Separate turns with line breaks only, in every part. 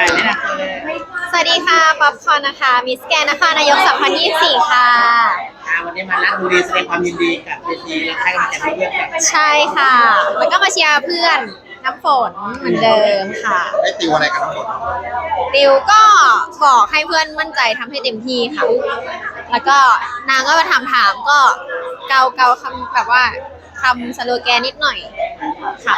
แนะนำตัวเลย
สวัสดีค่ะป๊อปคอร์นนะคะมิสแกรนด์นครนายก2024ค่ะ
วันนี้มาลัดบุรีแสดงความยินดีกับเวทีและให้กำลังใจเพื่อนกัน
ใช่ค่ะแล้วก็มาเชียร์เพื่อนน้ำฝนเหมือนเดิมค่ะ
ได้ติวอะไรกันทั้งหมด
ติวก็บอกให้เพื่อนมั่นใจทำให้เต็มที่ค่ะแล้วก็นางก็มาถามก็เกาคำแบบว่าคำสโลแกนนิดหน่อยค่ะ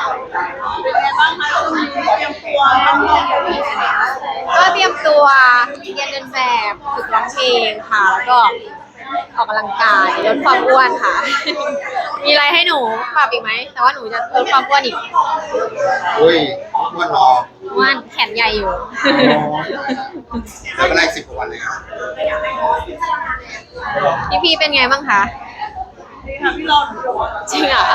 ก็เตรียมตัวเรียนเดินแบบฝึกร้องเพลงค่ะแล้วก็ออกกำลังกายลดความอ้วนค่ะ มีอะไรให้หนูปรับอีกไหมแต่ว่าหนูจะลดความอ้วนอีก
อุ้ยอ้วนรอ
อ้วนแขนใหญ่อยู่
แล้วเป็นไร10 กว่าวันเลยครับ
พี่เป็นไงบ้างคะจริงเหรอ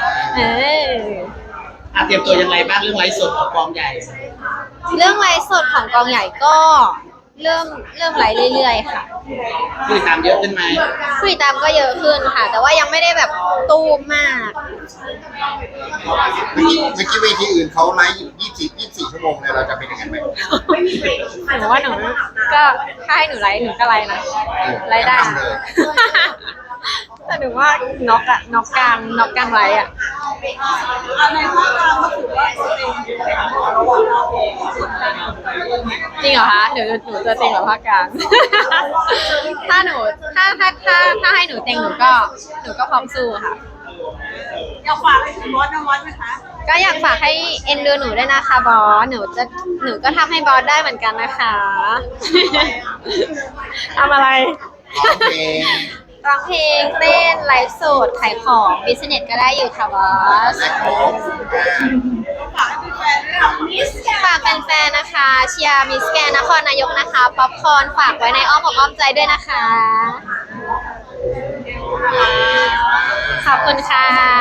เตรียมตัวยังไงบ้างเรื่องไลฟ์สดของกองใหญ่
เรื่องไลฟ์สดของกองใหญ่ก็เริ่มไลฟ์เรื่อยๆค่ะ
ผู้ติดตามเยอะขึ้นไหม
ผู้ติดตามก็เยอะขึ้นค่ะ แต่ว่ายังไม่ได้แบบตูมมาก
เมื่อกี้เวทีอื่นเขาไลฟ์อยู่24 ชั่วโมงเลยเราจะเป็นยังไงไหม
หนูว่าหนูก็ถ้าให้หนูไลฟ์หนูก็ไลฟ์นะไลฟ์ได้แต่หนูว่าน็อกกลางไลฟ์อ่ะในภาคกลางก็ถือว่าจริงเหรอคะหนูจะเต็งแบบภาคกลางถ้าให้หนูเต็งหนูก็พร้อมสู้ค่ะ
อยากฝากไปถึงบอสนะบอสไหมคะ
ก็อยากฝากให้เอ็นดูหนูด้วยนะคะบอสหนูก็ทำให้บอสได้เหมือนกันนะคะทำอะไรร้องเพลงเต้นไลฟ์สดขายของบิสเนสก็ได้อยู่ค่ะบอสฝากแฟนๆนะคะเชียร์มิสแกรนด์นครนายกนะคะป๊อปคอร์นฝากไว้ในอ้อมอกอ้อมใจด้วยนะคะขอบคุณค่ะ